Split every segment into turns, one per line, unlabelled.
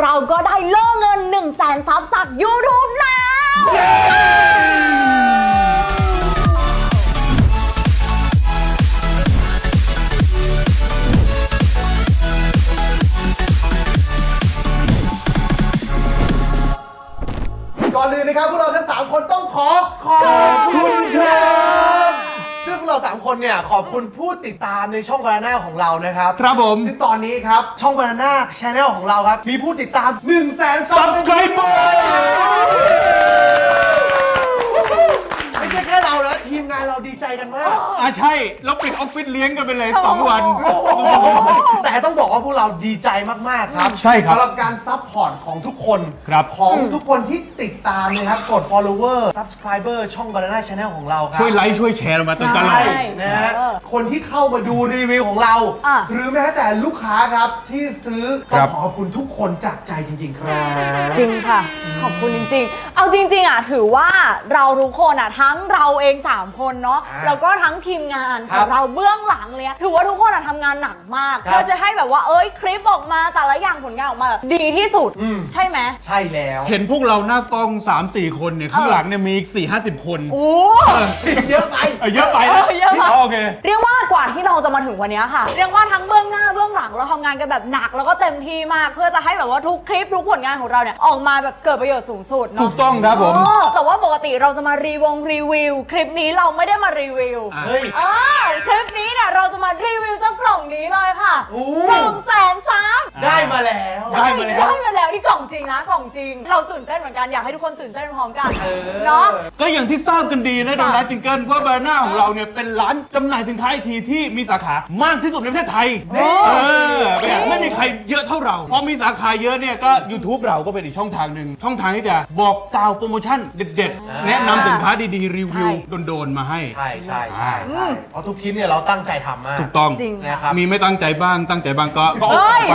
เราก็ได้โล่เงิน 100,000 ซับจาก YouTube แล้ว
ก่อนอื่นนะครับพวกเราทั้ง3คนต้องขอบคุณครับซึ่งพวกเรา3คนเนี่ยขอบคุณผู้ติดตามในช่อง Banana ของเรานะครับ
ครับผม
ซึ่งตอนนี้ครับช่อง Banana Channel ของเราครับมีผู้ติดตาม 100,000 Subscriber ไม่ใช่แค่เรานะทีมงานเราดีใจกันมาก
ใช่เราปิดออฟฟิศเลี้ยงกันไปเลย2 วัน
แต่ต้องบอกว่าพวกเราดีใจมากๆครับ
ใช่ครับ
สำหรับการซัพพอร์ตของทุกคน
ครับ
ของทุกคนที่ติดตามนะครับกด follower subscriber ช่อง Banana Channel ของเราครับ
ช่วยไลค์ช่วยแชร์เรามาตลอด
ใช่นะฮะคนที่เข้ามาดูรีวิวของเรา หรือแม้แต่ลูกค้าครับที่ซื้อต้องขอบคุณทุกคนจากใจจริงๆครับ
จริงค่ะขอบคุณจริงๆเอาจริงๆถือว่าเราทุกคนทั้งเราเอง3คนเนาะแล้วก็ทั้งทีมงานของเราเบื้องหลังเลยถือว่าทุกคนทำงานหนักมากเพื่อจะให้แบบว่าคลิปออกมาแต่ละอย่างผลงานออกมาดีที่สุดใช่ไหม
ใช่แล้ว
เห็นพวกเราหน้ากล้อง 3-4 คนเนี่ยข้างหลังเนี่ยมีอีก 4-50 คน
โอ้
เยอะไป
เยอะไปนะ
เยอะไป
โอเค
เรียกว่ากว่าที่เราจะมาถึงวันนี้ค่ะเรียกว่าทั้งเบื้องหน้าเบื้องหลังเราทำงานกันแบบหนักแล้วก็เต็มที่มากเพื่อจะให้แบบว่าทุกคลิปทุกผลงานของเราเนี่ยออกมาแบบเกิดประโยชน์สูงสุดเนาะ
ถูกต้องครับผม
แต่ว่าปกติเราจะมารีวิวคลิปนี้เราไม่ได้มารีวิว
เฮ้ย
คลิปนี้เนี่ยเราจะมารีวิวเจ้ากล่องนี้เลยค่ะ100,000 ซับ
ได้มาแล้ว
ได้มาแล้วที่กล่องจริงนะกล่องจริงเราตื่นเต้นเหมือนกันอยากให้ทุกคนตื่นเต้นพร้อมกันเนาะ
ก็อย่างที่ทราบกันดีนะโดนัทจิงเกิลว่าบานาน่าของเราเนี่ยเป็นร้านจำหน่ายสินค้าไอทีที่มีสาขามากที่สุดในประเทศไทยไม่มีใครเยอะเท่าเราพอมีสาขาเยอะเนี่ยก็ YouTube เราก็เป็นอีกช่องทางหนึ่งช่องทางที่จะบอกกล่าวโปรโมชั่นเด็ดๆแนะนำสินค้าดีๆรีวิวโดนๆมาให้
ใช่เพราะทุกคลิปเนี่ยเราตั้งใจทำมาก
ถูกต้อง
จริง
นะครับ
มีไม่ตั้งใจบ้างตั้งใจบ้างก็ออกไป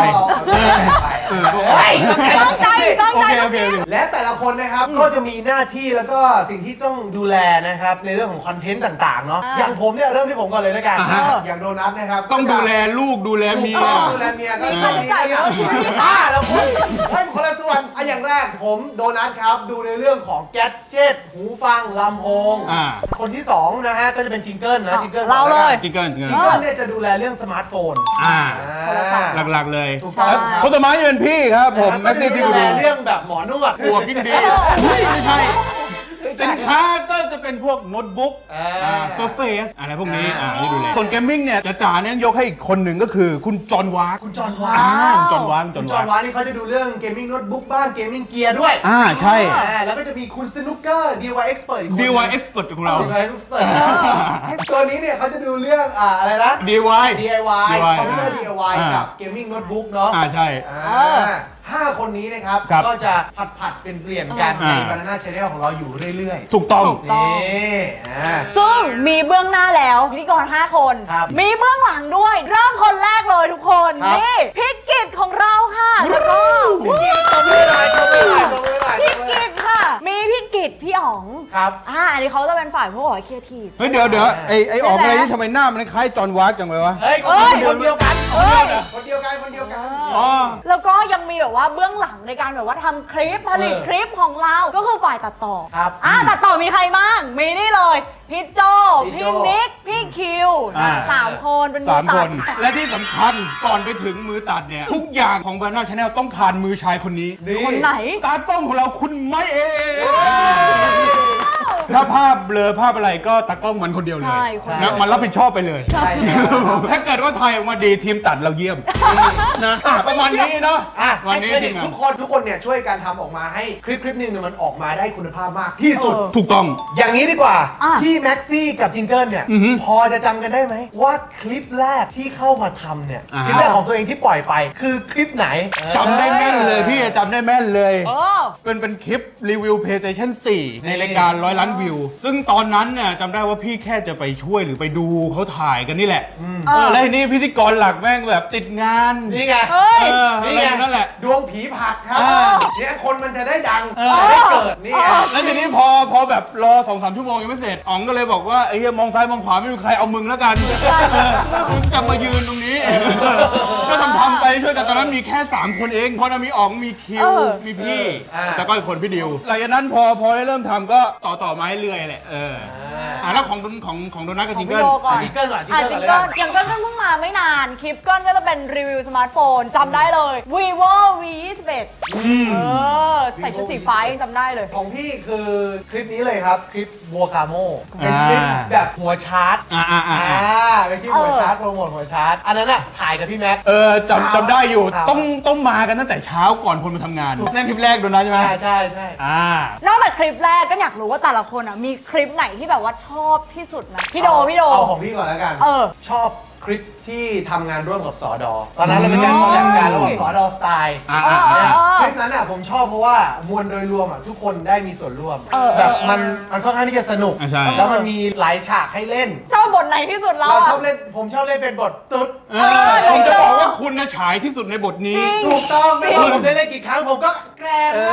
ตั้งใจ
โอเค
และแต่ละคนนะครับก็จะมีหน้าที่แล้วก็สิ่งที่ต้องดูแลนะครับในเรื่องของคอนเทนต์ต่างๆเนาะอย่างผมเนี่ยเริ่มที่ผมก่อนเลยแล้วกันอย่างโดนัทนะครับ
ต้องดูแลลูกดูแลเมีย
ดูแลเมียก็
มีค่าใช้จ่ายเยอะชีวิต
แล้วคุณให้คนละส่วนอย่างแรกผมโดนัทครับดูในเรื่องของแกดเจ็ตหูฟังลำโพงคนที่2นะฮะก็จะเป็นจิงเกิลนะจิงเกิล
เราเลย
จิงเกิล
เนี่ยจะดูแลเรื่องสมาร์ทโฟน
หลักๆเลย
แล้ว
คนต่อมาจะเป็นพี่ครับผมแม็กซี่ที่ดู
เรื่องแบบหมอนวด
หัวกิ้งดีไม่ใช่สินค้าก็จะเป็นพวกโน้ตบุ๊กโซเฟสอะไรพวกนี้ที่ดูแลส่วนเกมมิ่งเนี่ยจ๋าเนี่ยยกให้อีกคนหนึ่งก็คือคุณจอห์นวาร์
คุณจอห์นวาร์
จอห์นวาร์
นี่เขาจะดูเรื่องเกมมิ่งโน้ตบุ๊กบ้างเกมมิ่งเกียร์ด้วย
ใช่
แล้วก็จะมีคุณสนุกเกอร์ DIY Expert อีกคน
DIY Expert ของเรา
ตัวนี้เนี่ยเขาจะดูเรื่องอะไรนะ
DIY
คอมพิวเตอร์ DIY กับเกมมิ่งโน้ตบุ๊กเนาะ
ใช่
5 คนนี้นะครับก็จะผัดเป็นเปลี่ยนกันใน Banana Channel ของเราอยู่เรื่อยๆ
ถูกต้อง
นี่
ซึ่งมีเบื้องหน้าแล้วพิธีกร5 คนมีเบื้องหลังด้วยเริ่มคนแรกเลยทุกคนนี่พี่กิตของเราค่ะแล้วก็
พี่กิต
ค่ะมีพี่กิตพี่อ๋อง
ครับ
อันนี้เขาจะเป็นฝ่ายพวกครีเอทีฟ
เฮ้ยเดี๋ยวไอ้อ๋องอะไรนี่ทำไมหน้ามันคล้ายจอห์นวาร์จังเลยวะ
เฮ้ยคนเดียวกัน
แล้วก็ยังมีแบบว่าเบื้องหลังในการแบบว่าทำคลิปผลิตคลิปของเราก็คือฝ่ายตัดต่อตัดต่อมีใครบ้างมีนี่เลยพี่โจพี่นิกพี่คิว3 คนเป็นมือตัด
และที่สำคัญก่อนไปถึงมือตัดเนี่ยทุกอย่างของ Banana Channel ต้องผ่านมือชายคนนี้
คนไหน
ตากล้องของเราคุณไม่เองถ้าภาพเบลอภาพอะไรก็ตากล้องมันคนเดียวเลยนะมันรับผิดชอบไปเลยถ้าเกิดว่าถ่ายออกมาดีทีมตัดเราเยี่ยมนะประมาณนี้เนาะ
วันนี้ทุกคนเนี่ยช่วยกันทำออกมาให้คลิปนึงมันออกมาได้คุณภาพมากที่สุด
ถูกต้อง
อย่างนี้ดีกว่าพี่แม็กซี่กับจิงเกิลเนี่ยพอจะจำกันได้ไหมว่าคลิปแรกที่เข้ามาทำเนี่ยคลิปแรกของตัวเองที่ปล่อยไปคือคลิปไหน
จำได้แม่นเลยพี่จำได้แม่นเลยเป็นคลิปรีวิว PlayStation 4 ในรายการ100 ล้านวิวซึ่งตอนนั้นเนี่ยจำได้ว่าพี่แค่จะไปช่วยหรือไปดูเขาถ่ายกันนี่แหละแล้วทีนี้พิธีกรหลักแม่งแบบติดงาน
นี่ไง
นี่ไงนั่นแหละ
ดวงผีผลักครับ
อ่า
เนี่ยคนมันจะได้ดัง
เออ
จะได้เกิดนี่ไง
แล้วทีนี้พอแบบรอ 2-3 ชั่วโมงยังไม่เสร็จอ๋องก็เลยบอกว่าไอ้เหี้ยมองซ้ายมองขวาไม่มีใครเอามึงแล้วกันมึงจะมายืนตรงนี้ก็ทำไปช่วยกันตอนนั้นมีแค่ 3 คนเองพอมีอ๋องมีคิวมีพี่แล้วก็อีกคนพี่ดิวหลังจากนั้นพอได้เริ่มทำก็ต่อไม้เรื่อยแหละแล้วของโดนัทกับ
ของ
จิง
พี่
เกิล
โดก่อน
จิงเกิลก่อนจิง
อ่ะ
เกิล
จิง
ก่อน
เกิลยังก็เพิ่งมาไม่นานคลิปเกิลก็จะเป็นรีวิวสมาร์ทโฟนจำได้เลย vivo v21 ใส่ชุดสีฟ้ายังจำได้เลย
ของพี่คือคลิปนี้เลยครับ คลิปวัวกาโมเป็นคลิปแบบหัวชาร์จเป็นคลิปหัวชาร์จโปรโมทหัวชาร์จอันนั้นอะถ่ายกับพี่แม็ก
จำได้อยู่
ครับ
ต้องมากันตั้งแต่เช้าก่อนคนมาทำงานนั่นคลิปแรกโดนัทใช่ไหม
ใช่
นอกจากคลิปแรกก็อยากรู้ว่าแต่ละคนอ่ะมีคลิปไหนที่แบบว่าชอบที่สุดนะพี่โด
เอาของพี่ก่อนแล้วกัน ชอบคลิปที่ทำงานร่วมกับสอดอตอนนั้นเราเป็นการคอลแลบกันระหว่างสอดอสไตล์ คลิปนั้นอ่ะผมชอบเพราะว่ามวลโดยรวมอ่ะทุกคนได้มีส่วนร่วมแบบมันค่อนข้างที่จะสนุก
ใช่
แล้วมันมีหลายฉากให้เล่น
ชอบบทไหนที่สุดเรา
เรา
อ่ะ
ชอบเล่นผมชอบเล่นเป็นบทตุ๊ด
ผมจะบอกว่าคุณนะฉายที่สุดในบทนี้
จริง
ถูกต้องไม่ว่าผมได้เล่นกี่ครั้งผมก็แกล้ง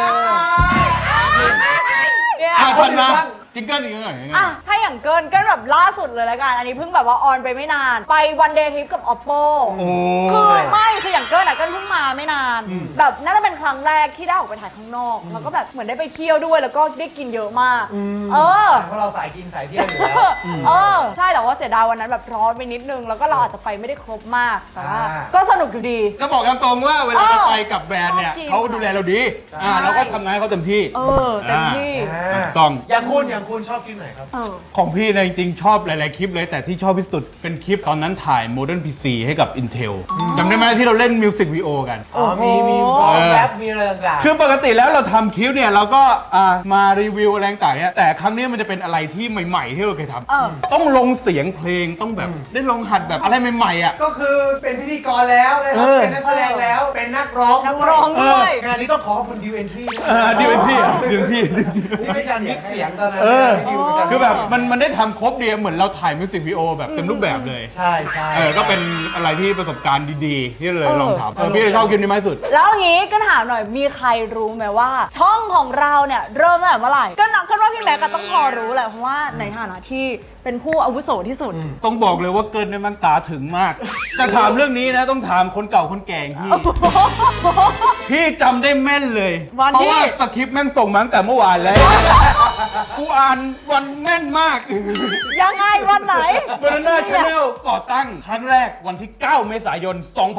เนี่ย
คนมาจิงเกิลอีกหน่อย
อ่ะถ้าอย่างเกินแบบล่าสุดเลยละกันอันนี้เพิ่งแบบว่าออนไปไม่นาน ไปวันเดย์ทริปกับ oppo คืออย่างเกินอ่ะเกินเพิ่งมาไม่นาน แบบน่าจะเป็นครั้งแรกที่ได้ออกไปถ่ายข้างนอกแล้วก็แบบเหมือนได้ไปเที่ยวด้วยแล้วก็ได้กินเยอะมาก
เพราะเราสายกินสายเที่ยวอยู่แล้ว
ใช่แต่ว่าเสียดายวันนั้นแบบร้อนไปนิดนึงแล้วก็เราอาจจะไปไม่ได้ครบมากแต่ว่าก็สนุกอยู่ดี
ก็บอกตรงว่าเวลาเราไปกับแบรนด์เนี่ยเขาดูแลเราดีเราก็ทำงานให้เขาเต็มที่
เต็มที่
ต้อง
อย่างคุณชอบคลิปไหนครับ
ของพี่เนี่ยจริงๆชอบหลายๆคลิปเลยแต่ที่ชอบที่สุดเป็นคลิปตอนนั้นถ่าย Modern PC ให้กับ Intel จำได้ไหมที่เราเล่นมิวสิกวิดีโอกัน
มีแรปมีอะไรต่างๆ
คือปกติแล้วเราทำคลิปเนี่ยเราก็มารีวิวอะไรต่างๆเนี่ยแต่ครั้งนี้มันจะเป็นอะไรที่ใหม่ๆที่เราเคยทำต้องลงเสียงเพลงต้องแบบได้ลองหัดแบบอะไรใหม่ๆอ่ะ
ก็คือเป็นพิธีกรแล้วนะครับเป็นนักแสดงแล้วเป็นนักร้องด้วย งานนี้ต้องขอบคุณดิวเอนทรี
ดิวเอนทรี
นี่เป็นการมิกเสียงตอนนั้น
คือแบบมันได้ทำครบดีเหมือนเราถ่ายมิวสิกวิดีโอแบบเต็มรูปแบบเลย
ใช่
ก็เป็นอะไรที่ประสบการณ์ดีๆที่เลยลองทำพี่เลยชอบคลิปนี้มากที่สุด
แล้วอย่างนี้ก็ถามหน่อยมีใครรู้ไหมว่า ช่องของเราเนี่ยเริ่มตั้งแต่เมื่อไหร่ก็นับกันว่าพี่แม็กก็ต้องพอรู้แหละเพราะว่าในฐานะที่เป็นผู้อาวุโสที่สุด
ต้องบอกเลยว่าเกินในมันตาถึงมากแต่ถามเรื่องนี้นะต้องถามคนเก่าคนแก่พี่จำได้แม่นเลยเพราะว่าสคริปต์แม่งส่งมาตั้งแต่เมื่อวานแล้วกูอ่านวันแม่นมาก
ยังไงวันไหน
Banana Channel ก่อตั้งครั้งแรกวันที่ 9 เมษายน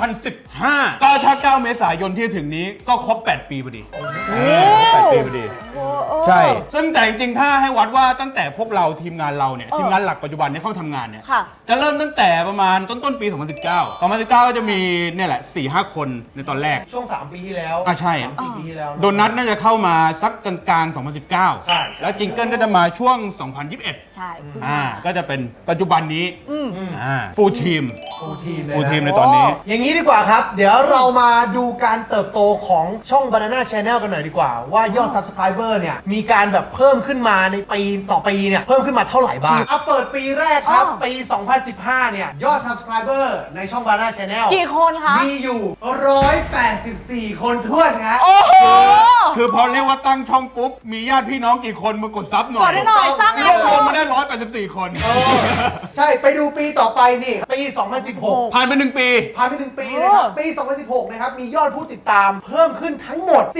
2015 ก็ถ้า 9 เมษายนที่ถึงนี้ก็ครบ 8 ปีพอดี8 ปีพอดีใช่ซึ่งแต่จริงๆถ้าให้วัดว่าตั้งแต่พวกเราทีมงานเราเนี่ยทีมงานหลักปัจจุบันเนี่ยเข้าทำงานเนี่ยจะเริ่มตั้งแต่ประมาณต้นปี 2019 ก็จะมีเนี่ยแหละ 4-5 คนในตอนแรก
ช่วง3 ปีที่แล้ว
ใช่
3-4 ปีที่แล้ว
โดนัทน่าจะเข้ามาสักกลางๆ 2019
ใช่
แล้วจิงเกิลก็จะมาช่วง 2021
ใช่
ก็จะเป็นปัจจุบันนี้ฟูลทีม
ฟูลทีม
ในตอนนี้
อย่างนี้ดีกว่าครับเดี๋ยวเรามาดูการเติบโตของช่อง Banana Channel กันหน่อยดีกว่าว่ายอด Subscriber เนี่ยมีการแบบเพิ่มขึ้นมาในปีต่อปีเนี่ยเพิ่มขึ้นมาเท่าไหร่บ้างเปิดปีแรกครับปี 2015 เนี่ยยอด Subscriber ในช่อง Banana Channel
กี่คนคะ
มีอยู่184 คนท้วนฮะ
คือพอเรียกว่าตั้งช่องปุ๊บมีญาติพี่น้องกี่คนมากดซับหน่อย
กดให้หน่อยสร้าง
รวบรวมมาได้184 คน
ใช่ไปดูปีต่อไปนี่ปี 2016
ผ่านไป1 ปี
นะครับปี 2016 นะครับมียอดผู้ติดตามเพิ่มขึ้นทั้งหมด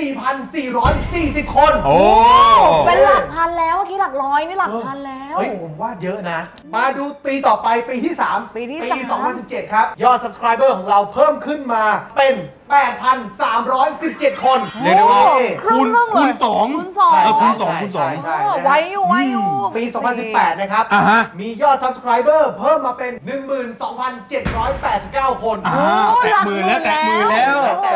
4,440 คน
เป็นหลักพันแล้วเมื่อกี้หลักร้อยนี่หลักพันแล้ว
เฮ้ยผมว่าเยอะนะมาดูปีต่อไปปีที่ 3 ปี 2017 ครับยอด Subscriber ของเราเพิ่มขึ้นมาเป็น 8,317 คน
เรียกได้ว่าคูณ2
คูณสอง
ใช่
ไว้อยู่
ปี 2018 นะครับมียอด Subscriber เพิ่มมาเป็น 12,789 คน
แตะมือแล้ว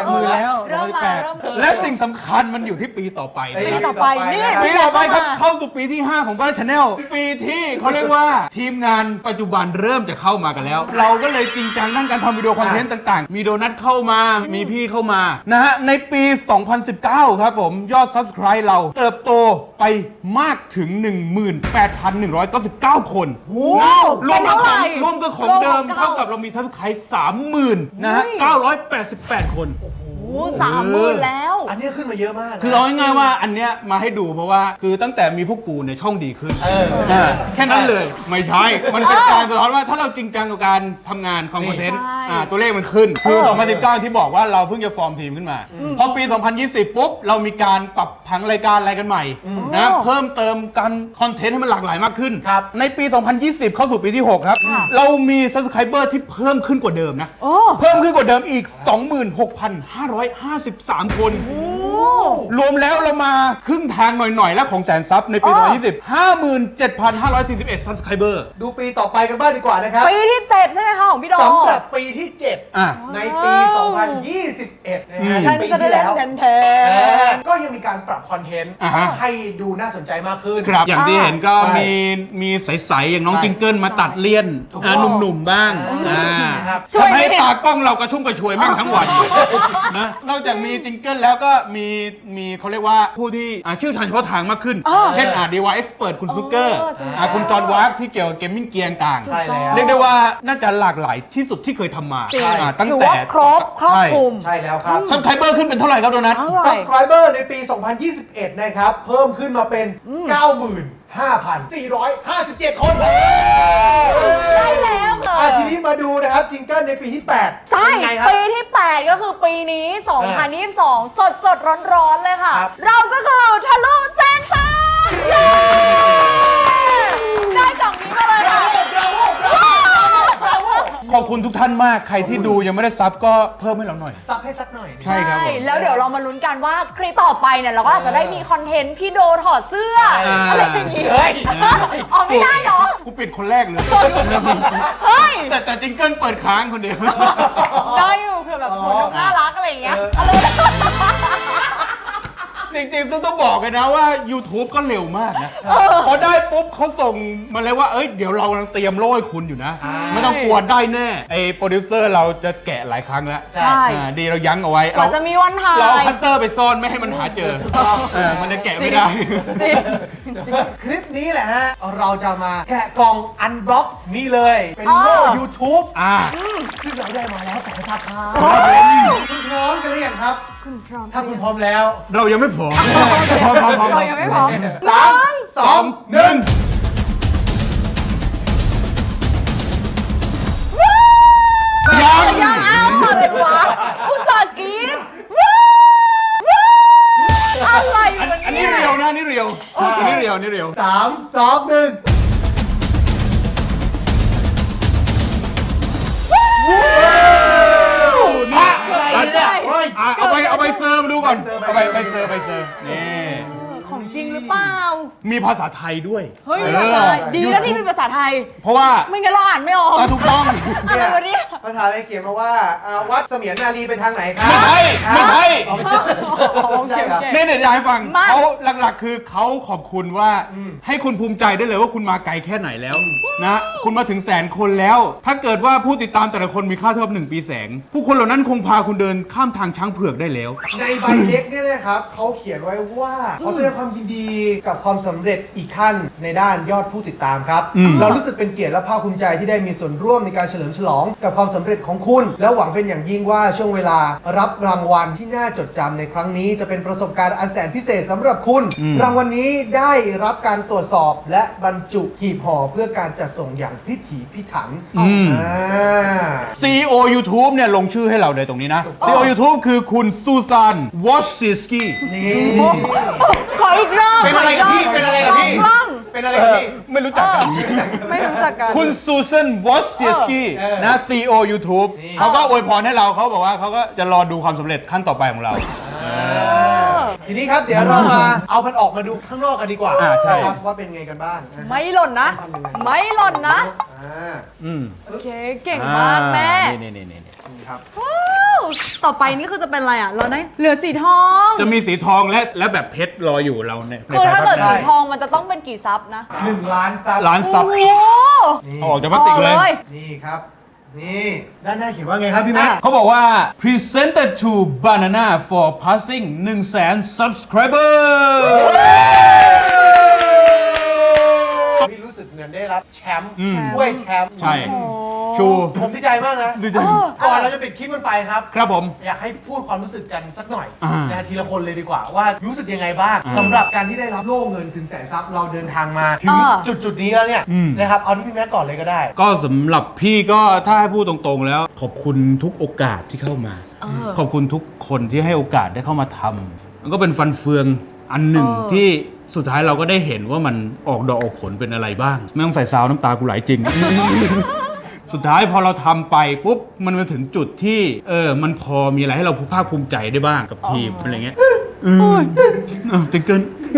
และสิ่งสำคัญมันอยู่ที่ปีต่อไป
ปีต่อไป
ครับเข้าสู่ปีที่ 5 ของบ้าน Channel ปีที่เขาเรียกว่าทีมงานปัจจุบันเริ่มจะเข้ามากันแล้วเราก็เลยจริงจังด้านการทำวิดีโอคอนเทนต์ต่างๆมีโดนัทเข้ามามีพี่เข้ามานะฮะในปี 2019 ครับผมยอด Subscribe เราเติบโตไปมากถึง 18,199 คนรวมกับของเดิมเท่ากับเรามี Subscribe 30,000 นะฮะ 988 คน
30,000แล้ว
อันนี้ขึ้นมาเยอะมากนะ
คือเอาง่ายๆว่าอันเนี้ยมาให้ดูเพราะว่าคือตั้งแต่มีพวกกูเนี่ยช่องดีขึ้นแค่นั้นเลยไม่ใช่ มันเป็นการสะท้อนว่าถ้าเราจริงจังกับการทำงานคอนเทนต์
ใช่
ตัวเลขมันขึ้นคือ2019ที่บอกว่าเราเพิ่งจะฟอร์มทีมขึ้นมาพอปี 2020 ปุ๊บเรามีการปรับผังรายการอะไรกันใหม่นะเพิ่มเติมการคอนเทนต์ให้มันหลากหลายมากขึ้น ในปี 2020 เข้าสู่ปีที่ 6 ครับ เรามี Subscriber ที่เพิ่มขึ้นกว่าเดิมนะ เพิ่มขึ้นกว่าเดิมอีก 26,553 คน รวมแล้วเรามาครึ่งทางหน่อยๆ แล้วของแสนซับในปี 2020 57,541 Subscriber
ดูปีต่อไปกันบ้างดีกว่านะครับ
ปีที่ 7 ใช่ไหมคะของพี่โด
สำหรับปีที่
อ่ะ
7 ในปี 2021 นะฮะ
แทน
ปีที่แล้ว
แทน
ก็ยังมีการปรับคอนเทนต์
อ่าฮะ
ให้ดูน่าสนใจมากขึ้น
ครับอย่างที่เห็นก็
ใช่
มีใสๆอย่างน้อง
ใช่
จิงเกิลมาตัดเลี่ยน
ถูกต้อง
หนุ่มๆบ้าง
ครับ
ช่วย
ทำให้
นิด
ตากล้องเรากระชุ่มกระชวยแม่งทั้งวันนะนอกจากมีจิงเกิลแล้วก็มีเขาเรียกว่าผู้ที่เชี่ยวชาญเฉพาะทางมากขึ้น เช่นDIY Expert คุณซุกเกอร์ คุณจอห์นวาร์กที่เกี่ยวกับเกมมิ่งเกียร์ต่าง
ใช่แล้ว
เรียกได้ว่าน่าจะหลากหลายที่สุดที่เคยทำมา
จริง
ตั้ง
ถือ
แต่
ว่าครบคลุม
ใช่แล้วครับ
ซับไครเบอร์ขึ้นเป็นเท่าไหร่ครับโดนัท
Subscriber ในปี 2021 นะครับ เพิ่มขึ้นมาเป็น 95,457 คน
ใช่แล้วค่ะ
ทีนี้มาดูนะครับจิงเกิลในปีที่ 8
ใช่
เป็นไงครับ
ปีที่ 8 ก็คือปีนี้ 2022 สดร้อนๆเลยค่ะ
ครับ
เราก็คือทะลุแสนซับได้กล่องนี้มาเลยค่ะ
ขอบคุณทุกท่านมากใครที่ดูยังไม่ได้ซับก็เพิ่มให้เราหน่อย
ซับให้สักหน่อย
ใช่ครับผม
แล้วเดี๋ยวเรามาลุ้นกันว่าคลิปต่อไปเนี่ยเราก็อาจจะได้มีคอนเทนต์พี่โดถอดเสื้ออะไรอย่างงี้
เฮ้ย
อ๋อไม่ได้เหรอ
กูปิดคนแรกเลย
เฮ้ย
แต่จิงเกิลเปิดค้างคนเดียว
ได้อยู่คือแบบคนดูน่ารักอะไรอย่างเงี้ยอะไร
จริงๆต้องบอกกันนะว่า YouTube ก็เร็วมากนะ พอได้ปุ๊บเขาส่งมาเลยว่า เดี๋ยวเรากำลังเตรียมโล่ให้คุณอยู่นะ ไม่ต้องกลัวได้แน่ไอ้โปรดิวเซอร์เราจะแกะหลายครั้งแล้ว
ใช่
ดีเรายั้งเอาไว้
กว่าจะมีวันถ่า
เราเอา
ย
คัตเตอร์ไปซ่อนไม่ให้มันหาเจอมันจะแกะไม่ได้
จริง
คลิปนี้แหละฮะ เราจะมาแกะกล่องอันบล็อกนี่เลย เป็นโล่ YouTube ซึ่งเราได้มาแล้วแสนสาขาคุณพร้อมกันหรือยังครับ
คุณพร้อม
ถ้าคุณพร้อมแล้ว
เรายังไม่พร้อม
เรายังไม่พร้อม
3 2 1
ยังเอาอะไรวะอุตส่าห์กินอะไรวะ
อันนี้
เนี่ย
เรียวนะนี่เรียวอันนี้เรียวนี่เรียว
3 2 1
เอาไปเซอร์มาดูก่อนเอาไปเซอร์นี่
ของจริงหรือเปล่า
มีภาษาไทยด้วย
เฮ้ยภาษาไทยดีนะที่เป็นภาษาไทย
เพราะว่า
ไม่งั้นเราอ่านไม่ออก
ถูกต้อง
อะไรวะเนี่ย
ภาษาอะไรเขียนมาว่าวัดเสมียนนารีไปทางไหนครับ
ไม่ใช่
ไม่ใช่
โอเคโอเค
เนี่ยอยากให้ฟัง
มา
เขาหลักๆคือเขาขอบคุณว่าให้คุณภูมิใจได้เลยว่าคุณมาไกลแค่ไหนแล้วนะคุณมาถึงแสนคนแล้ว ถ้าเกิดว่าผู้ติดตามแต่ละคนมีค่าเท่ากับ1 ปีแสง ผู้คนเหล่านั้นคงพาคุณเดินข้ามทางช้างเผือกได้แล้ว
ในใบเล็กเนี่ยนะครับเขาเขียนไว้ว่าเขาแสดงความยินดีกับความสำเร็จอีกขั้นในด้านยอดผู้ติดตามครับ เรารู้สึกเป็นเกียรติและภาคภูมิใจที่ได้มีส่วนร่วมในการเฉลิมฉลองกับความสำเร็จของคุณ และหวังเป็นอย่างยิ่งว่าช่วงเวลารับรางวัลที่น่าจดจำในครั้งนี้จะเป็นประสบการณ์อันแสนพิเศษสำหรับคุณ รางวัลนี้ได้รับการตรวจสอบและบรรจุหีบห่อเพื่อการจัดส่งอย่างพิถีพิถัน
CEO YouTube เนี่ยลงชื่อให้เราเลยตรงนี้นะ CEO YouTube คือคุณซูซานวอชซิสกี้
นี่
ขออีกรอบ
เป็นอะไรกับพี่เป็นอะไรกับพี่
กล้อง
เป็นอะไรกับพี่
ไม่รู้จักกัน
ไม่รู้จักกัน
คุณซูซานวอชซิสกี้นะ CEO YouTube เขาก็อวยพรให้เราเขาบอกว่าเขาก็จะรอดูความสำเร็จขั้นต่อไปของเรา
ทีนี้ครับเดี๋ยวเรามาเอามันออกมาดูข้างนอกกันดีกว่า
ใช่
ครับว่าเป็นไงกันบ้างนะ
ไม่หล่นนะ ไม่หล่นนะ
อ่า
โอเค เก่งมากแม่
นี่
นี่ครับ
ว้าวต่อไปนี่คือจะเป็นอะไรอ่ะ เราได้เหลือสีทอง
จะมีสีทองและแบบเพชรรออยู่เราใน
คือถ้าเกิด
ภ
สี
พ
ทองมันจะต้องเป็นกี่ซับนะ
1 ล้านซับ
ร้านซับ
โอ้โห
เอาออกจากพลาสติกเลย
นี่ครับ นี่ด้านหน้าเขียนว่าไงครับพี่แม็ก
เขาบอกว่า presented to Banana for passing 100,000 subscriber
พี่รู้สึกเหมือนได้รับแชมป์
อืม
ถ้วยแชมป์
ใช่
โอ้
ชู
ผมดีใจมากนะ
ดีใจ
ก่อนเราจะปิดคลิปมันไปครับ
ครับผม
อยากให้พูดความรู้สึกกันสักหน่อย
อ่า
นะทีละคนเลยดีกว่าว่ารู้สึกยังไงบ้าง
อ่า
สำหรับการที่ได้รับโล่เงินถึงแสนซับเราเดินทางมาถึง
อ่า
จุดนี้แล้วเนี่ย
อืม
นะครับเอาที่พี่แม็กก่อนเลยก็ได้
ก็สำหรับพี่ก็ถ้าให้พูดตรงๆแล้ว ขอบคุณทุกโอกาสที่เข้ามา ขอบคุณทุกคนที่ให้โอกาสได้เข้ามาทำมันก็เป็นฟันเฟืองอันหนึ่งที่สุดท้ายเราก็ได้เห็นว่ามันออกดอกออกผลเป็นอะไรบ้าง ไม่ต้องใส่ซาวน้ำตากูไหลจริง สุดท้ายพอเราทำไปปุ๊บมันมาถึงจุดที่มันพอมีอะไรให้เราภาคภูมิใจได้บ้างกับทีมอะไรเงี้ยจริงเกิน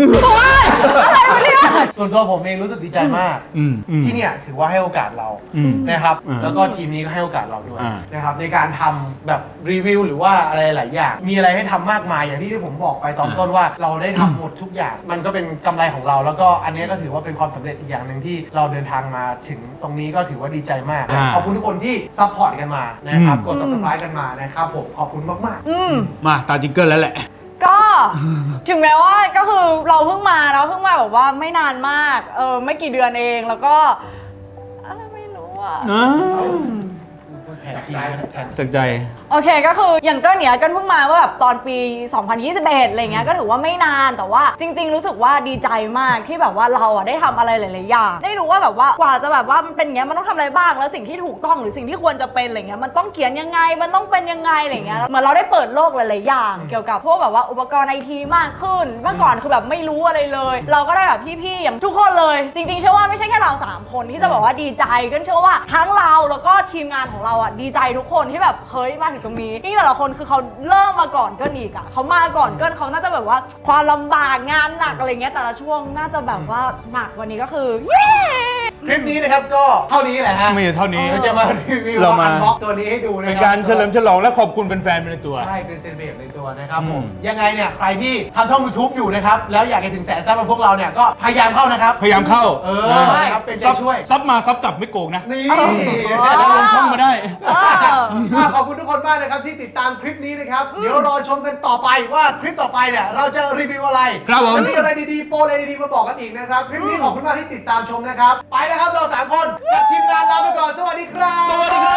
ส่วนตัวผมเองรู้สึกดีใจมาก ที่เนี่ยถือว่าให้โอกาสเรา
อืม
นะครับ
อืม
แล้วก็ทีมนี้ก็ให้โอกาสเราด้วย
อ่า
นะครับในการทำแบบรีวิวหรือว่าอะไรหลายอย่าง มีอะไรให้ทำมากมายอย่างที่ผมบอกไปตอนต้นว่าเราได้ทำหมดทุกอย่าง มันก็เป็นกำไรของเรา แล้วก็อันนี้ก็ถือว่าเป็นความสำเร็จอีกอย่างหนึ่งที่เราเดินทางมาถึงตรงนี้ก็ถือว่าดีใจมาก
อ่า
ขอบคุณทุกคนที่ซัพพอร์ตกันมานะครับ
อืม
กด subscribe กันมานะครับผมขอบคุณมากๆ
มาตาจิงเกิลแล้วแหละ
ก็ถึงแม้ว่าก็คือเราเพิ่งมาแบบว่าไม่นานมากไม่กี่เดือนเองแล้วก็ไม่รู้อ่ะ
แทนทีมแทน
จากใจ
โอเคก็คืออย่างก็เนี้ยกันเพิ่งมาว่าแบบตอนปี 2021 อะไรเงี้ยก็ถือว่าไม่นานแต่ว่าจริง ๆ รู้สึกว่าดีใจมากที่แบบว่าเราอ่ะได้ทำอะไรหลายๆอย่างได้รู้ว่าแบบว่ากว่าจะแบบว่ามันเป็นอย่างเงี้ยมันต้องทำอะไรบ้างแล้วสิ่งที่ถูกต้องหรือสิ่งที่ควรจะเป็นอะไรเงี้ยมันต้องเขียนยังไงมันต้องเป็นยังไงอะไรเงี้ยเหมือนเราได้เปิดโลกหลายๆอย่าง เกี่ยวกับพวกแบบว่าอุปกรณ์ไอทีมากขึ้นเมื่อก่อนคือแบบไม่รู้อะไรเลย เราก็ได้แบบพี่ๆอย่างทุกคนเลยจริงๆเชื่อว่าไม่ใช่แค่เรา3คนที่จะบอกว่าดีใจกันเชื่อว่าทั้งเราแล้วก็ทีมงานของเราอ่ะดีใจทุกคนที่แบบเฮ้ยมาถึงตรงนี้นี่แต่ละคนคือเขาเริ่มมาก่อนเกินอีกอ่ะเขามาก่อนเกินเขาน่าจะแบบว่าความลำบากงานหนักอะไรเงี้ยแต่ละช่วงน่าจะแบบว่าหนักวันนี้ก็คือเย้
คลิปนี้นะครับก็เท่านี้แหละฮะ
ไม่ใช่เท่านี้
เราจะมารีวิว
เรามา
อันบ็อกตัวนี้ให้ดูนะ
เป็น
คบ
การเฉลิมฉลองและขอบคุณแฟนๆไปในตัว
ใช่เป็นเซเลบเรตในตัวนะครับผม
อืม
ยังไงเนี่ยใครที่ทำช่อง YouTube อยู่นะครับแล้วอยากจะถึงแสนซับกับพวกเราเนี่ยก็พยายามเข้านะครับ
พยายามเข้า
นะครับเป็นใจช่วย
ซับมาซับกลับไม่โกงนะ
นี่
แล้วลงช่องมาได้
ขอบคุณทุกคนมากนะครับที่ติดตามคลิปนี้นะครับเดี๋ยวรอชมกันต่อไปว่าคลิปต่อไปเนี่ยเราจะรีวิวอะไร
ครับผม
จะมีอะไรดีๆโปรอะไรดีๆมาบอกกันอีกนะครับคลิปนี้ขอบคุณมากที่ติดตามชมนะครับไปแล้วครับเรา3คนกับทีมงานลาไปก่อนสวัสดีครับ
สวัสดีครับ